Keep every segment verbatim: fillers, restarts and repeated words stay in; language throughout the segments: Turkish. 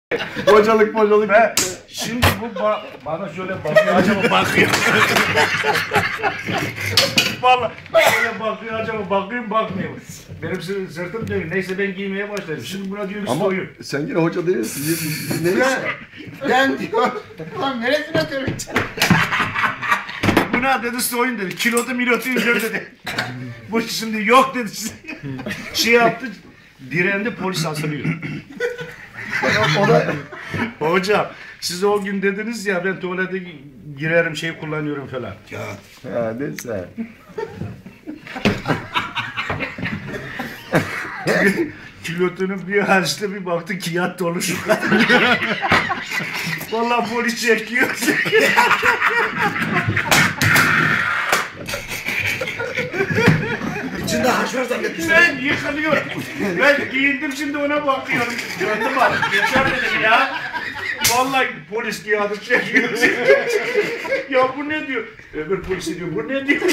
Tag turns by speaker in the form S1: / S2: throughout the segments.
S1: Hocalık hocalık.
S2: Ve şimdi bu ba bana şöyle bakıyor, acaba bakıyor. Vallahi şöyle bakıyor, acaba bakıyor bakmıyor. Benim sırtım dönüyor. Neyse ben giymeye başladım. Şimdi buna diyor ki
S1: Ama
S2: soyun.
S1: sen yine hoca değilsin. Neyse.
S3: Ben diyor, lan neresine döneceksin?
S2: Buna dedi soyun dedi. Kilotu milotu indir dedi. Bu şimdi yok dedi. Şey yaptı. Direndi, polis asılıyor.
S1: O da
S2: Hocam siz o gün dediniz ya ben tuvalete girerim şey kullanıyorum falan.
S3: Ya
S1: ha, neyse.
S2: Kilotunun bir açtı bir baktı ki yat dolu şu kadar. Vallahi polis çekiyor.
S3: içinde haş var zannetmiştim.
S2: Ben yıkılıyorum. Ben giyindim şimdi ona bakıyorum. Gördüm bak. Geçer dedim ya. Vallahi polis kağıdı çekiyor. Ya bu ne diyor? Öbür polis diyor bu ne diyor?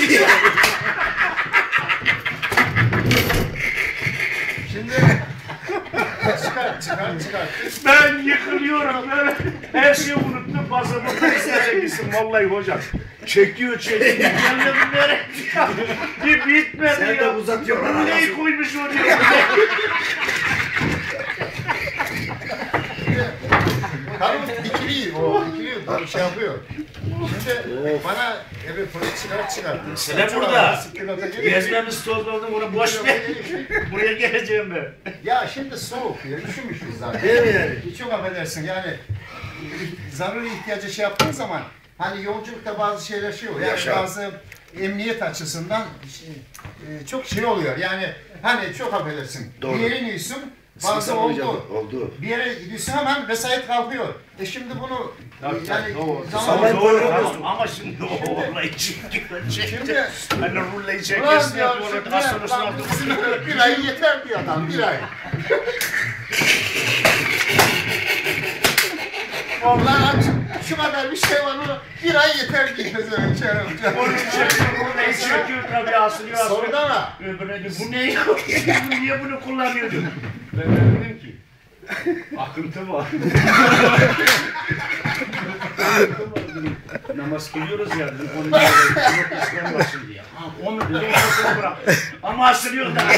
S3: Şimdi çıkar çıkar çıkar.
S2: Ben yıkılıyorum. Ben her şeyi unuttum. Pasaportu isteyeceksin vallahi hocam. Çekiyor çekiyor. Gelmedi nereye? Bir bitmedi
S3: Sen
S2: ya.
S3: de uzatıyorsun lan.
S2: Neyi koymuş oraya?
S3: Karım dikiliyor o dikiliyor şey yapıyor. Şimdi bana evet polis çıkar çıkarttı.
S2: Sen burada.
S3: Sıkıntı geliyor.
S2: Gezmemiz topladım onu boş ver. Buraya geleceğim ben.
S3: Ya şimdi soğuk ya üşümüşüz zaten.
S2: Değil mi yani?
S3: Çok affedersin yani zaruri ihtiyacı şey yaptığın zaman hani yolculukta bazı şeyler şey oluyor. Yani
S2: Yaşa.
S3: bazı emniyet açısından şey, e, çok şey oluyor. Yani hani çok affedersin.
S2: Doğru.
S3: Bir yerin yiyorsun bazı oldu.
S2: Oldu.
S3: Bir yere gidiyorsun hemen vesayet kalkıyor. E şimdi bunu
S2: Tabii,
S3: yani
S2: tabii, doğru.
S3: zaman
S2: Doğru, doğru. Ama şimdi o olayı çekiyor.
S3: Şimdi
S2: Hani rullayı
S3: ulan
S2: çekersin
S3: diyor
S2: ya
S3: şimdi
S2: tuvalet hastanesine
S3: lan
S2: aldım.
S3: bir ay yeter diyor adam bir ay. Vallahi şu kadar bir şey var onu bir ay yeter diyor.
S2: Onu çekiyor, rullayı çekiyor tabii asılıyor asılıyor.
S3: Sonra da
S2: Öbürüne de bu ne? Bu niye bunu kullanıyor diyor. Ben de dedim ki akıntı var. Akıntı var dedim. Namaz kılıyoruz ya dedim. Onu yok İslam başım diye. Ha, o mu dedim o seni bırak. Ama asılıyor da.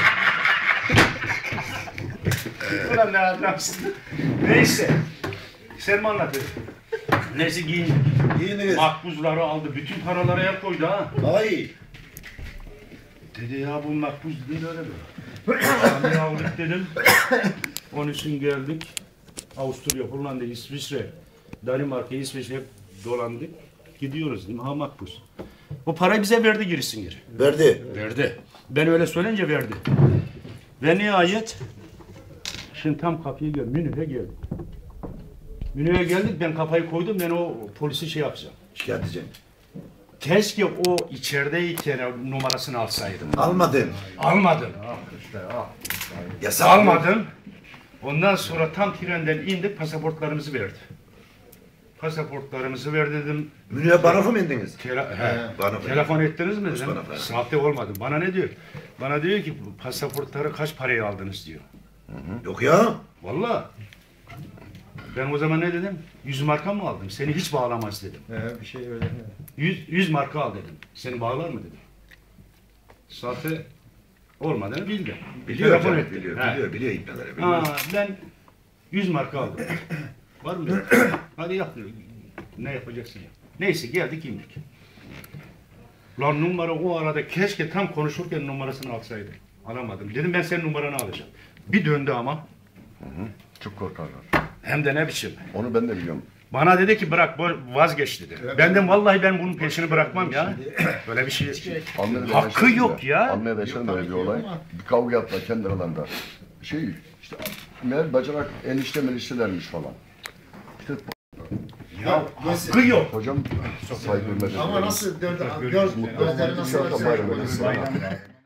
S2: Ulan ne adamsın. Neyse. Sen mi anlatın? Neyse giyindik.
S3: yiyiniz.
S2: Makbuzları aldı. Bütün paraları el koydu ha.
S3: Ay.
S2: Dedi ya bu makbuz değil öyle mi? Abi aldık dedim. Onun için geldik. Avusturya, Hollanda, İsviçre, Danimarka, İsviçre hep dolandık. Gidiyoruz dedim. Ha makbuz. O parayı bize verdi gerisin geri.
S3: Verdi.
S2: Verdi. Ben öyle söyleyince verdi. Ve nihayet şimdi tam kapıya geldim. Münih'e geldik. Münih'e geldik ben kafayı koydum ben o polisi şey yapacağım.
S3: Şikayet edeceğim.
S2: Keşke o içerideyken numarasını alsaydım.
S3: Almadın.
S2: Almadın. Ah işte ah.
S3: Yasak.
S2: Almadın. Ondan sonra tam trenden indik pasaportlarımızı verdi. Pasaportlarımızı ver dedim.
S3: Münih'e barafa mı indiniz?
S2: Tele he,
S3: bana-
S2: telefon ettiniz mi dedim.
S3: bana-
S2: Sahte olmadı. Bana ne diyor? Bana diyor ki pasaportları kaç paraya aldınız diyor.
S3: Yok ya.
S2: Vallahi. Ben o zaman ne dedim? yüz marka mı aldım? Seni hiç bağlamaz dedim.
S4: He, bir şey öyle.
S2: yüz, yüz marka al dedim. Seni bağlar mı dedim. Sahte olmadığını bildi.
S3: Biliyor
S2: Telefon
S3: canım,
S2: etti.
S3: biliyor,
S2: He.
S3: biliyor, biliyor ipneleri, biliyor.
S2: Aa, ben yüz marka aldım. Var mı dedim. Hadi yap diyor. Ne yapacaksın ya. Neyse geldik indik. Lan numara o arada keşke tam konuşurken numarasını alsaydım. Alamadım. Dedim ben senin numaranı alacağım. Bir döndü ama.
S1: Çok korkarlar.
S2: Hem de ne biçim.
S1: Onu ben de biliyorum.
S2: Bana dedi ki bırak bu- vazgeç dedi. Benden vallahi ben bunun peşini bırakmam ya. Böyle bir şey.
S1: Almanya'da
S2: Hakkı
S1: yaşadım
S2: yok ya.
S1: Almanya'da yaşadım öyle bir olay. Bir kavga yaptılar kendi aralarında. Şey işte meğer bacanak enişte meniştelermiş falan. İşte
S2: Ya hakkı yok.
S1: hocam saygı hürmet
S3: Ama
S1: ediyorum.
S3: nasıl döndü? Göz, gözleri nasıl
S1: Mutlu bayram
S3: açıyor?
S1: edilsin.